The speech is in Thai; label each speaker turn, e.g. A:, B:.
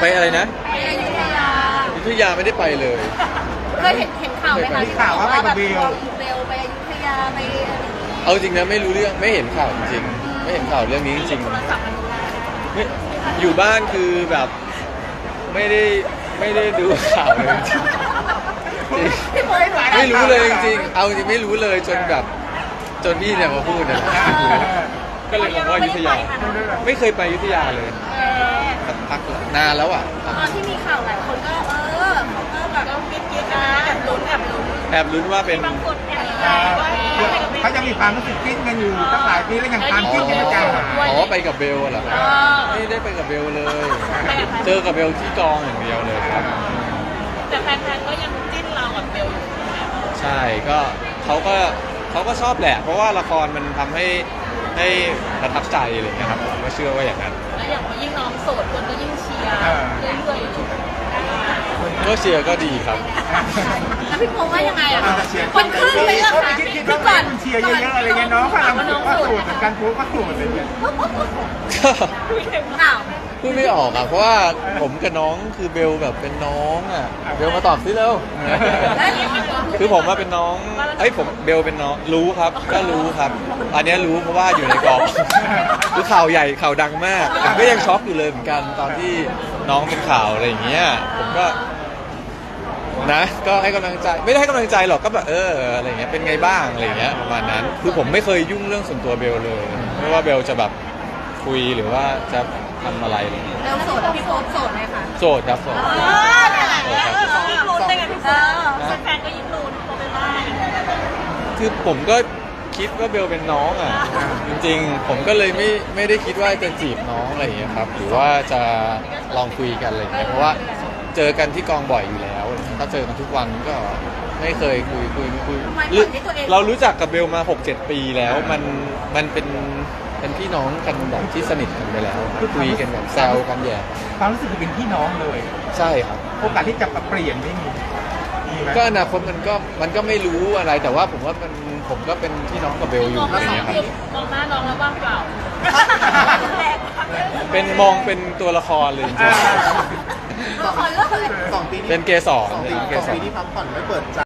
A: ไปอะไรนะ
B: ไปอยุธยา
A: อยุธยาไม่ได้ไปเลย
B: เคยเห็นข่าวไหมคะที่ข่าวว่าแบบเบลไปอยุธยาไป
A: เอาจริงนะไม่รู้เรื่องไม่เห็นข่าวจริงๆไม่เห็นข่าวเรื่องนี้จริงๆไม่อยู่บ้านคือแบบไม่ได้ดูข่าวเลยจริงๆไม่รู้เลยจริงๆเอาจริงไม่รู้เลยจนแบบจนพี่เนี่ยมาพูดนะก็เลยบอกว่าอยุธยาไม่เคยไปอยุธยาเลยสักพักนานแล้วอ่ะ
B: ตอนที่มีข่าวหลายคนก็เขาก็แบบกิ๊กนะแอบลุ้น
A: ว่าเป็น
B: บางคนแอบ
C: เขาจะมีความรู้สึกกิ้งกันอยู่ตั้งหลายปีแล้วยังตามกิ้งกันไม่จางหาย
A: อ๋อไปกับเบลเหรอครับไม่ได้ไปกับเบลเลยเจอกับเบลที่กองอย่างเดียวเลยครับ
B: แต่แฟนๆก็ยังจิ้นเรากับเบลอยู่
A: ใช่ก็เขาก็ชอบแหละเพราะว่าละครมันทำให้ประทับใจอะไรอย่างเงี้ยครับผมก็เชื่อว่าอย่างนั้น
B: แล้วอย่างว่ายิ่งน้องโสดคนก็ยิ่งเชียร์เรื่อยๆ
A: ก็เชียร์ก็ดีครับ
B: แล้วพี่โพว่ายังไงอ่ะคนขึ้นไปแล้วค่ะ
C: คือก่อนเชียร์เยอะๆอะไรเงี้ยน้องพลังก็สูดเหมือนกันพูดก็สูดอะไรเงี้ย
A: พูดไม่ออกอ่ะเพราะว่าผมกับน้องคือเบลแบบเป็นน้องอ่ะเบลมาตอบสิเร็วคือผมว่าเป็นน้องผมเบลเป็นน้องรู้ครับก็รู้ครับอันนี้รู้เพราะว่าอยู่ในกองคือข่าวใหญ่ข่าวดังมากผมก็ยังช็อกอยู่เลยเหมือนกันตอนที่น้องเป็นข่าวอะไรอย่างเงี้ยผมก็นะก็ให้กำลังใจไม่ได้ให้กำลังใจหรอกก็แบบอะไรเงี้ยเป็นไงบ้างอะไรเงี้ยประมาณนั้นคือผมไม่เคยยุ่งเรื่องส่วนตัวเบลเลยไม่ว่าเบลจะแบบคุยหรือว่าจะทำอะไรเลย
B: เบลโสดพี่โพโสดไหมคะ
A: โสดครับโสด
B: ยิ่งลุ้นได้ไงพี่โพแฟนก็ยิ่งลุ้นโพเป็นบ้า
A: คือผมก็คิดว่าเบลเป็นน้องอ่ะจริงๆผมก็เลยไม่ได้คิดว่าจะจีบน้องอะไรอย่างเงี้ยครับหรือว่าจะลองคุยกันอะไรอย่างเงี้ยเพราะว่าเจอกันที่กองบ่อยอยู่แล้วถ้าเจอกันทุกวันก็ไม่เคยคุยเรารู้จักกับเบลมา 6-7 ปีแล้วมันเป็นพี่น้องกันแบบที่สนิทกันไปแล้วคุยกันแบบแซวกันแย่
C: ความรู้สึกคือเป็นพี่น้องเลย
A: ใช่ครับ
C: โอกาสที่จะเปลี่ยนไม่มี
A: ก็อนาคตมันก็ไม่รู้อะไรแต่ว่าผมว่าผมก็เป็นพี่น้องกับเบลอยู่อะไรอย่างเงี้ยครับ
B: มองหน้าน้องแล้วว่างเปล่า
A: เป็นมองเป็นตัวละครเลยจริง
B: ละครเรื่องอะไร
C: 2 ปี
A: เป็นเกสร
C: 2 ปีที่พักผ่อนไม่เปิดใจ